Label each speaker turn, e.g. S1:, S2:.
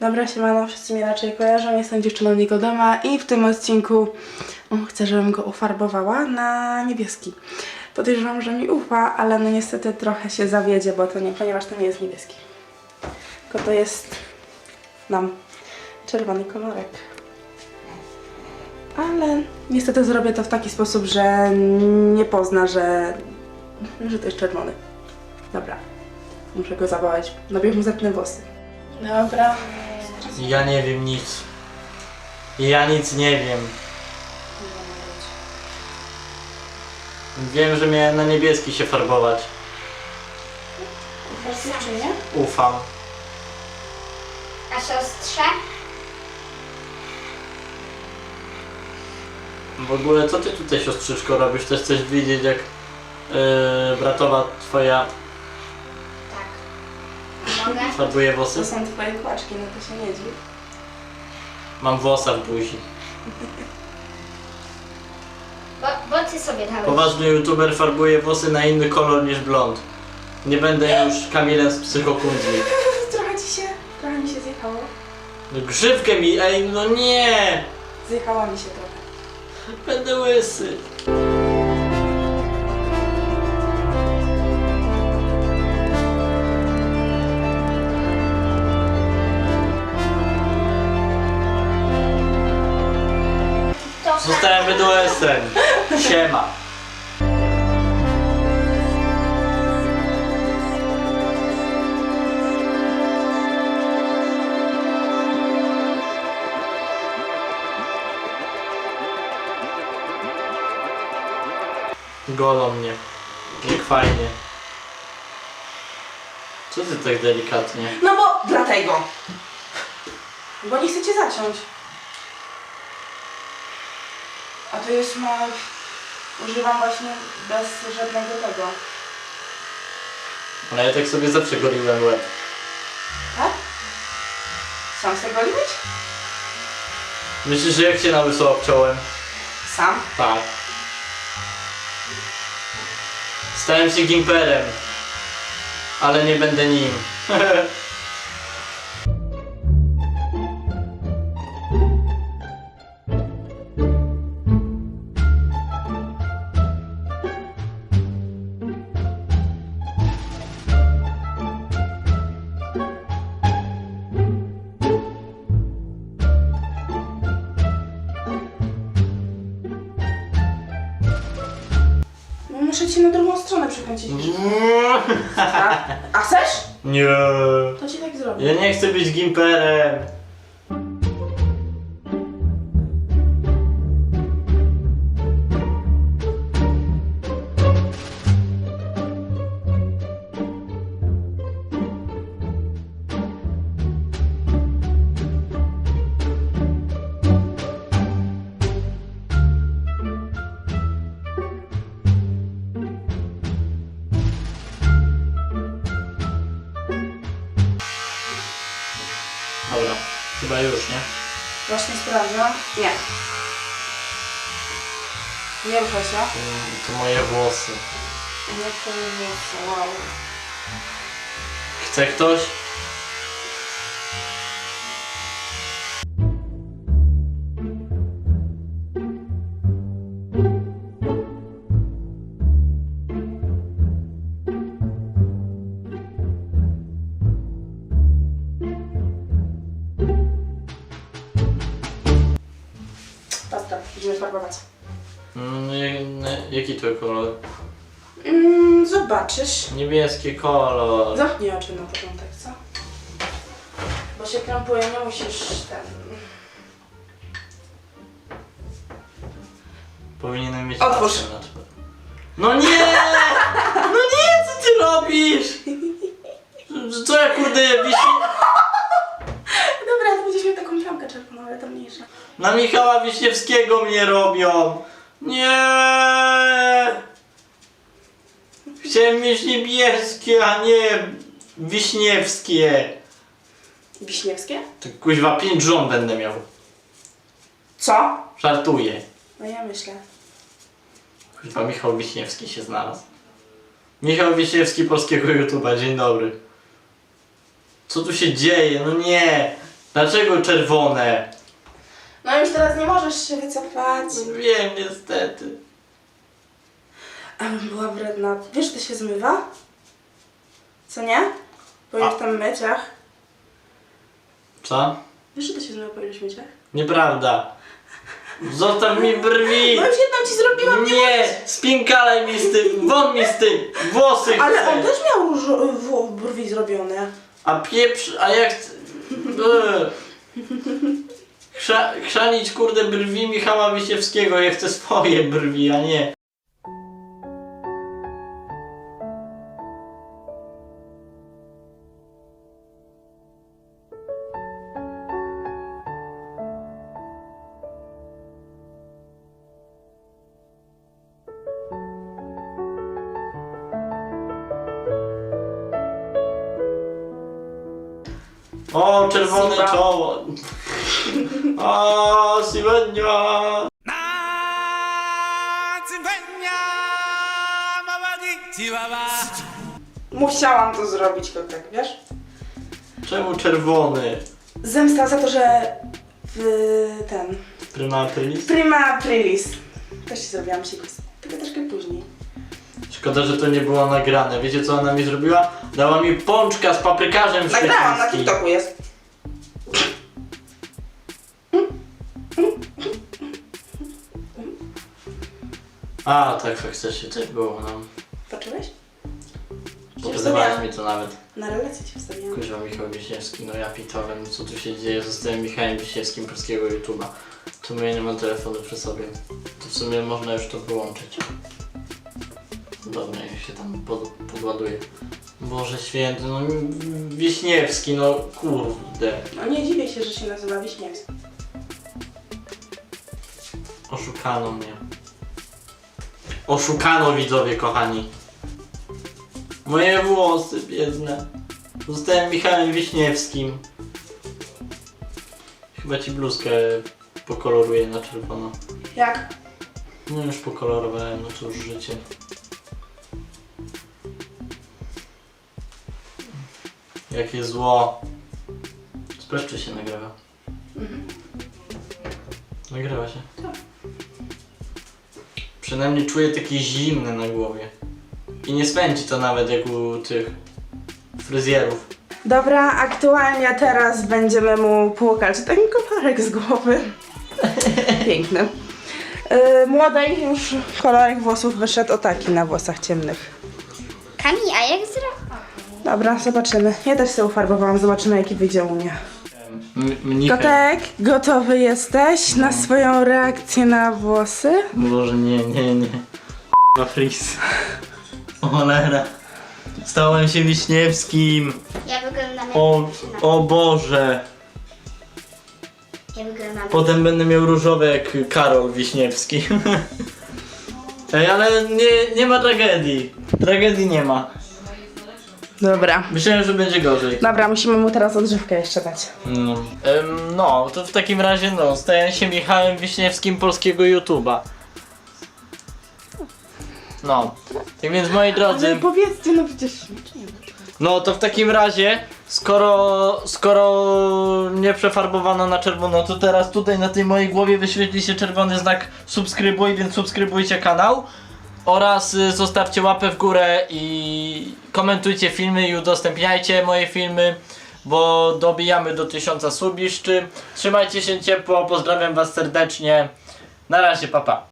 S1: Dobra, siemano, wszyscy mnie raczej kojarzą, jestem dziewczyną Nikodema i w tym odcinku chcę, żebym go ufarbowała na niebieski. Podejrzewam, że mi ufa, ale no niestety trochę się zawiedzie, bo to nie, ponieważ to nie jest niebieski. Tylko to jest czerwony kolorek. Ale niestety zrobię to w taki sposób, że nie pozna, że to jest czerwony. Dobra, muszę go zawołać. Najpierw mu zetnę włosy. Dobra.
S2: Ja nie wiem nic. Ja nic nie wiem. Wiem, że miałem na niebieski się farbować.
S1: Ufasz dziewczynie?
S2: Ufam.
S3: A siostrze?
S2: W ogóle co ty tutaj, siostrzyczko, robisz? Też chcesz widzieć, jak bratowa twoja
S3: Tak. Mogę?
S2: farbuje
S1: To
S2: włosy?
S1: są twoje kłaczki, no to się nie dziw.
S2: Mam włosa w buzi.
S3: Bo ty sobie dałeś.
S2: Poważny youtuber farbuje włosy na inny kolor niż blond. Nie będę już Kamilem z psychokundli.
S1: Trochę mi się zjechało.
S2: No grzywkę mi, ej, no nie!
S1: Zjechała mi się trochę.
S2: Będę łysy.
S3: To
S2: Zostałem bydłesem. Siema. Golą mnie. Jak fajnie. Co ty tak delikatnie?
S1: No bo dlatego. Bo nie chcecie zaciąć. A to jest używam właśnie bez żadnego tego.
S2: Ale ja tak sobie zawsze goliłem łeb.
S1: Tak? Sam sobie goliłeś?
S2: Myślisz, że jak się na łyso obciąłem?
S1: Sam?
S2: Tak. Stałem się gimperem. Ale nie będę nim.
S1: No muszę cię na drugą stronę przekręcić. A chcesz?
S2: Nie.
S1: To ci tak zrobię.
S2: Ja nie chcę być gimperem. Dobra, chyba już, nie?
S1: Właśnie sprawdzam. Nie. Nie ruszaj się.
S2: To moje włosy.
S1: Nie twoje włosy, wow.
S2: Chce ktoś?
S1: Basta, idziemy farbować.
S2: Jaki to kolor?
S1: Zobaczysz.
S2: Niebieski kolor.
S1: Zamknij oczy na początek, co? Bo się krępuje, nie musisz
S2: Powinienem mieć
S1: Otwórz.
S2: maskę na twarzy. No nie! No nie, co ty robisz? Co ja kurde wisi...
S1: Dobra, to będziesz miał taką plamkę czerwoną, ale to mniejsza.
S2: Na Michała Wiśniewskiego mnie robią! Nie! Chciałem mieć niebieskie, a nie wiśniewskie.
S1: Wiśniewskie?
S2: To kuźwa 5 żon będę miał.
S1: Co?
S2: Żartuję.
S1: No ja myślę.
S2: Kuźwa Michał Wiśniewski się znalazł. Michał Wiśniewski polskiego YouTube'a, dzień dobry. Co tu się dzieje? No nie! Dlaczego czerwone?
S1: No już teraz nie możesz się wycofać.
S2: Wiem, niestety.
S1: Ale była wredna. Wiesz, że to się zmywa? Co nie? Po iluś tam myciach.
S2: Co?
S1: Wiesz, że to się zmywa po iluś myciach?
S2: Nieprawda. Zostaw mi brwi!
S1: No już jedną ci zrobiłam,
S2: Nie! Spinkalaj mi z tym! Won mi z tym! Włosy chcę!
S1: Ale on też miał brwi zrobione.
S2: A pieprz... A jak... Chrzanić kurde brwi Michała Wiśniewskiego. Ja chcę swoje brwi, a nie. O, czerwone
S1: Siwa.
S2: czoło. O, siwenia.
S1: Musiałam to zrobić, kotek, wiesz?
S2: Czemu czerwony?
S1: Zemsta za to, że ten...
S2: Prima aprilis?
S1: Prima aprilis. Też ci zrobiłam sikus. Tylko troszkę później.
S2: Szkoda, że to nie było nagrane. Wiecie co ona mi zrobiła? Dała mi pączka z paprykarzem
S1: Nagrałam, na
S2: szwedzkim.
S1: TikToku jest.
S2: A, tak faktycznie też było, no.
S1: Patrzyłeś?
S2: Pokazywałaś mi to nawet.
S1: Na relację ci wstawiłam.
S2: Kurwa, Michał Wiśniewski, no ja pitowem, co tu się dzieje? Zostałem Michałem Wiśniewskim polskiego YouTube'a. Tu mnie nie ma telefonu przy sobie. To w sumie można już to wyłączyć. Dobra, jak się tam podładuje. Boże święty, no Wiśniewski, no kurde.
S1: No nie dziwię się, że się nazywa Wiśniewski.
S2: Oszukano mnie. Oszukano, widzowie kochani. Moje włosy biedne. Zostałem Michałem Wiśniewskim. Chyba ci bluzkę pokoloruję na czerwono.
S1: Jak?
S2: No już pokolorowałem, no cóż, życie. Jakie zło. Sprawdź, czy się nagrywa. Nagrywa się.
S1: Tak.
S2: Przynajmniej czuję takie zimne na głowie. I nie spędzi to nawet jak u tych fryzjerów.
S1: Dobra, aktualnie teraz będziemy mu płukać ten kolorek z głowy. Piękny. Młodej już kolorek włosów wyszedł o taki na włosach ciemnych.
S3: Kami, a jak zrobić?
S1: Dobra, zobaczymy. Ja też się ufarbowałam, zobaczymy jaki wyjdzie u mnie.
S2: Mnichę.
S1: Kotek, gotowy jesteś na swoją reakcję na włosy?
S2: Boże, nie. Fris. O cholera. Stałem się Wiśniewskim.
S3: Ja wyglądam jak
S2: O Boże.
S3: Ja wyglądam
S2: Potem będę miał różowe jak Karol Wiśniewski. Ej, ale nie ma tragedii. Tragedii nie ma.
S1: Dobra.
S2: Myślałem, że będzie gorzej.
S1: Dobra, musimy mu teraz odżywkę jeszcze dać.
S2: No, to w takim razie no, staję się Michałem Wiśniewskim polskiego YouTube'a. No, tak więc moi drodzy,
S1: Ale powiedzcie, no przecież...
S2: no to w takim razie, skoro nie przefarbowano na czerwono, to teraz tutaj na tej mojej głowie wyświetli się czerwony znak subskrybuj, więc subskrybujcie kanał. Oraz zostawcie łapę w górę i komentujcie filmy i udostępniajcie moje filmy, bo dobijamy do 1000 subiszczy. Trzymajcie się ciepło, pozdrawiam was serdecznie. Na razie, pa pa.